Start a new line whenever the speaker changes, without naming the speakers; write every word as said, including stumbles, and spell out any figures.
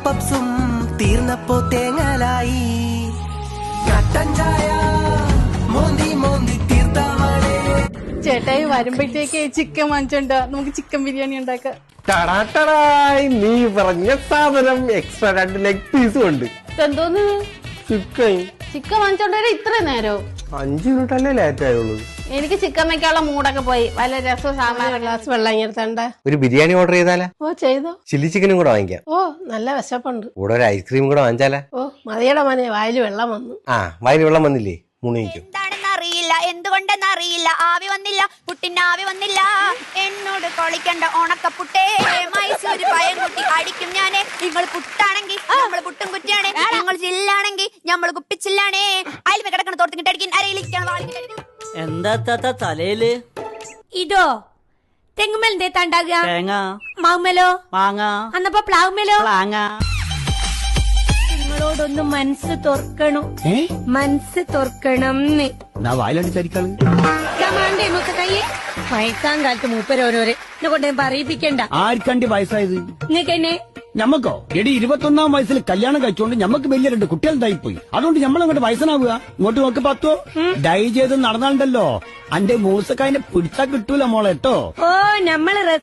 പപ്സും തീർന്നപ്പോ തേങ്ങലായി. കട്ടൻ ചായ മോന്തി മോന്തി തീർത്താവളെ.
ചേട്ടായി വരുമ്പോഴത്തേക്ക് ചിക്കൻ വാങ്ങിച്ചോണ്ട് നമുക്ക് ചിക്കൻ ബിരിയാണി ഉണ്ടാക്കാം.
ടടാട്ടടായി, നീ പറഞ്ഞ സാധനം എക്സ്ട്രാ രണ്ട് ലെഗ് പീസും ഉണ്ട്.
എന്തോന്ന്
ചിക്കൻ
ചിക്കൻ വാങ്ങിച്ചോണ്ടേ ഇത്ര നേരോ?
അഞ്ചു മിനിറ്റ് അല്ലേ ലേറ്റ് ആയുള്ളൂ.
എനിക്ക് ചിക്കൻ വെക്കാനുള്ള മൂടൊക്കെ പോയി. വല്ല രസവും സാമ്പാറും ഗ്ലാസ് വെള്ളം ഇങ്ങനത്തെ.
ഒരു ബിരിയാണി ഓർഡർ ചെയ്താലാ?
ഓ ചെയ്തോ.
ചില്ലി ചിക്കനും കൂടെ വാങ്ങിക്കാം.
ഓ നല്ല വിശപ്പുണ്ട്.
കൂടെ ഒരു ഐസ്ക്രീം കൂടെ വാങ്ങിച്ചാലാ?
ഓ മതിയുടെ മോനെ, വായിൽ വെള്ളം വന്നു.
ആ വായിൽ വെള്ളം വന്നില്ലേ? മുണിക്കും.
എന്താണെന്ന് അറിയില്ല, എന്തുകൊണ്ടെന്ന് അറിയില്ല, ആവി വന്നില്ല, പുട്ടിന് ആവി വന്നില്ല. എന്നോട് കളിക്കണ്ട ഉണക്കപ്പുട്ടേ, മൈസൂര് പയൻകുട്ടി അടിക്കും ഞാനേ. നിങ്ങൾ പുട്ടാണെങ്കിൽ നമ്മൾ പുട്ടും കുറ്റിയാണേ, നിങ്ങൾ ചില്ലാണെങ്കിൽ നമ്മൾ കുപ്പിച്ചില്ലാണേ. അയൽമ കിടക്കണ തോർത്തിട്ട് അടിക്കാൻ അരയിലിരിക്കണം.
എന്താ താത്ത തലയില്?
ഇതോ തെങ്ങുമേൽ എന്തേത്താ ഉണ്ടാകുക?
തേങ്ങ.
മാവുമേലോ?
മാങ്ങ.
അന്നപ്പോ പ്ലാവുമേലോ?
മാങ്ങ.
നിങ്ങളോടൊന്ന് മനസ്സ് തുറക്കണം, മനസ്സ് തുറക്കണം. വയസ്സാം കാലത്ത് മൂപ്പരോരോരെ കൊണ്ടേ പറയിപ്പിക്കണ്ട.
ആർക്കണ്ടി വയസ്സായത്?
നിങ്ങൾക്കെന്നെ
ഞമ്മക്കോ? എടി ഇരുപത്തൊന്നാം വയസ്സിൽ കല്യാണം കഴിച്ചോണ്ട് ഞമ്മക്ക് വലിയ രണ്ട് കുട്ടികളുണ്ടായിപ്പോയി. അതുകൊണ്ട് ഞമ്മളങ്ങോട്ട് വയസ്സനാവുക. ഇങ്ങോട്ട് നോക്ക് പത്തോ. ഡൈ ചെയ്ത് നടന്നാണ്ടല്ലോ അന്റെ മൂസക്കായനെ പിടിച്ചാ കിട്ടൂല മോളെ കേട്ടോ.
ഓ നമ്മള്